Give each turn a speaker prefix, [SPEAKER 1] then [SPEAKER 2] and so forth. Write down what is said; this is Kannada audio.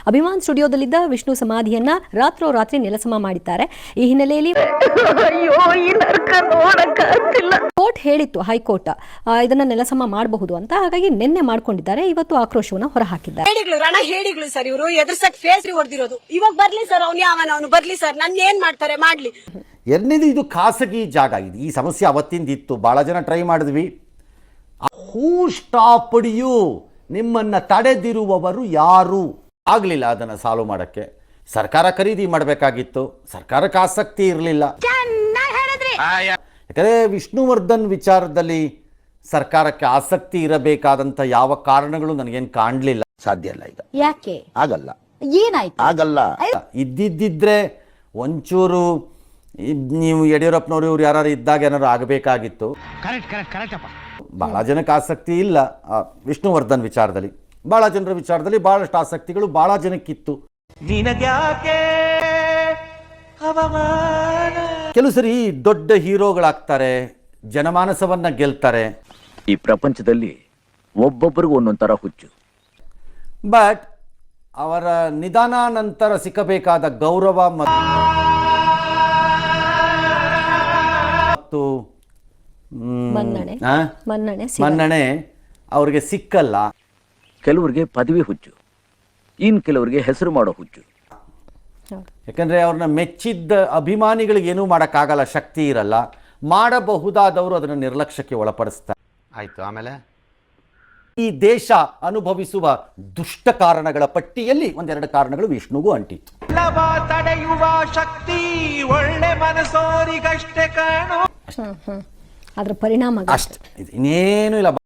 [SPEAKER 1] ಅಭಿಮಾನ್ ಸ್ಟುಡಿಯೋದಲ್ಲಿದ್ದ ವಿಷ್ಣು ಸಮಾಧಿಯನ್ನ ರಾತ್ರೋರಾತ್ರಿ ನೆಲಸಮ ಮಾಡಿದ್ದಾರೆ. ಈ ಹಿನ್ನೆಲೆಯಲ್ಲಿ ಕೋರ್ಟ್ ಹೇಳಿತ್ತು, ಹೈಕೋರ್ಟ್ ಇದನ್ನ ನೆಲಸಮ ಮಾಡಬಹುದು ಅಂತ. ಹಾಗಾಗಿ ನಿನ್ನೆ ಮಾಡ್ಕೊಂಡಿದ್ದಾರೆ. ಇವತ್ತು ಆಕ್ರೋಶವನ್ನ ಹೊರಹಾಕಿದ್ದಾರೆ.
[SPEAKER 2] ಹೇಳಿಗಳು ಸರ್, ಇವರು ಎದುರ್ಸಕ್ ಫೇಸ್ ಹೊಡೆದಿರೋದು. ಇವಾಗ ಬರ್ಲಿ ಸರ್, ಅವನು ಬರ್ಲಿ ಸರ್, ನನ್ನ ಏನ್ ಮಾಡ್ತಾರೆ ಮಾಡ್ಲಿ.
[SPEAKER 3] ಎರಡನೇದು, ಇದು ಖಾಸಗಿ ಜಾಗ. ಇದು ಈ ಸಮಸ್ಯೆ ಅವತ್ತಿಂದ ಇತ್ತು, ಬಹಳ ಜನ ಟ್ರೈ ಮಾಡಿದ್ವಿ. ಹೂ ಸ್ಟಾಪ್ಡ್ ಯು, ನಿಮ್ಮನ್ನ ತಡೆದಿರುವವರು ಯಾರು? ಆಗಲಿಲ್ಲ ಅದನ್ನು ಸಾಲ್ವ್ ಮಾಡೋಕ್ಕೆ. ಸರ್ಕಾರ ಖರೀದಿ ಮಾಡಬೇಕಾಗಿತ್ತು, ಸರ್ಕಾರಕ್ಕೆ ಆಸಕ್ತಿ ಇರಲಿಲ್ಲ. ಯಾಕಂದರೆ ವಿಷ್ಣುವರ್ಧನ್ ವಿಚಾರದಲ್ಲಿ ಸರ್ಕಾರಕ್ಕೆ ಆಸಕ್ತಿ ಇರಬೇಕಾದಂಥ ಯಾವ ಕಾರಣಗಳು ನನಗೇನು ಕಾಣಲಿಲ್ಲ.
[SPEAKER 4] ಸಾಧ್ಯ ಇಲ್ಲ ಈಗ.
[SPEAKER 5] ಯಾಕೆ
[SPEAKER 4] ಆಗಲ್ಲ?
[SPEAKER 5] ಏನಾಯ್ತು?
[SPEAKER 4] ಆಗಲ್ಲ.
[SPEAKER 3] ಇದ್ದಿದ್ದಿದ್ರೆ ಒಂಚೂರು ನೀವು ಯಡಿಯೂರಪ್ಪನವರು ಇವ್ರು ಯಾರು ಇದ್ದಾಗ ಏನಾದ್ರು ಆಗಬೇಕಾಗಿತ್ತು. ಬಹಳ ಜನಕ್ಕೆ ಆಸಕ್ತಿ ಇಲ್ಲ ವಿಷ್ಣುವರ್ಧನ್ ವಿಚಾರದಲ್ಲಿ. ಬಹಳ ಜನರ ವಿಚಾರದಲ್ಲಿ ಬಹಳಷ್ಟು ಆಸಕ್ತಿಗಳು ಬಹಳ ಜನಕ್ಕಿತ್ತು. ಕೆಲವು ಸರಿ ದೊಡ್ಡ ಹೀರೋಗಳಾಗ್ತಾರೆ, ಜನಮಾನಸವನ್ನ ಗೆಲ್ತಾರೆ.
[SPEAKER 6] ಈ ಪ್ರಪಂಚದಲ್ಲಿ ಒಬ್ಬೊಬ್ಬರಿಗೂ ಒಂದೊಂಥರ ಹುಚ್ಚು.
[SPEAKER 3] ಬಟ್ ಅವರ ನಿಧಾನ ನಂತರ ಸಿಕ್ಕಬೇಕಾದ ಗೌರವ ಮತ್ತು ಮನ್ನಣೆ ಅವ್ರಿಗೆ ಸಿಕ್ಕಲ್ಲ.
[SPEAKER 6] ಕೆಲವರಿಗೆ ಪದವಿ ಹುಚ್ಚು, ಇನ್ ಕೆಲವರಿಗೆ ಹೆಸರು ಮಾಡೋ ಹುಚ್ಚು.
[SPEAKER 3] ಯಾಕಂದ್ರೆ ಅವ್ರನ್ನ ಮೆಚ್ಚಿದ್ದ ಅಭಿಮಾನಿಗಳಿಗೆ ಏನೂ ಮಾಡೋಕ್ಕಾಗಲ್ಲ, ಶಕ್ತಿ ಇರಲ್ಲ. ಮಾಡಬಹುದಾದವರು ಅದನ್ನು ನಿರ್ಲಕ್ಷ್ಯಕ್ಕೆ ಒಳಪಡಿಸ್ತಾರೆ. ಆಯ್ತು. ಆಮೇಲೆ ಈ ದೇಶ ಅನುಭವಿಸುವ ದುಷ್ಟ ಕಾರಣಗಳ ಪಟ್ಟಿಯಲ್ಲಿ ಒಂದೆರಡು ಕಾರಣಗಳು ವಿಷ್ಣುಗೂ ಅಂಟಿತ್ತು.
[SPEAKER 7] ತಡೆಯುವ ಶಕ್ತಿ ಒಳ್ಳೆ ಮನಸೋರಿಗಷ್ಟೇ ಕಾಣು.
[SPEAKER 1] ಅದರ ಪರಿಣಾಮ
[SPEAKER 3] ಅಷ್ಟೇ, ಇನ್ನೇನು ಇಲ್ಲ.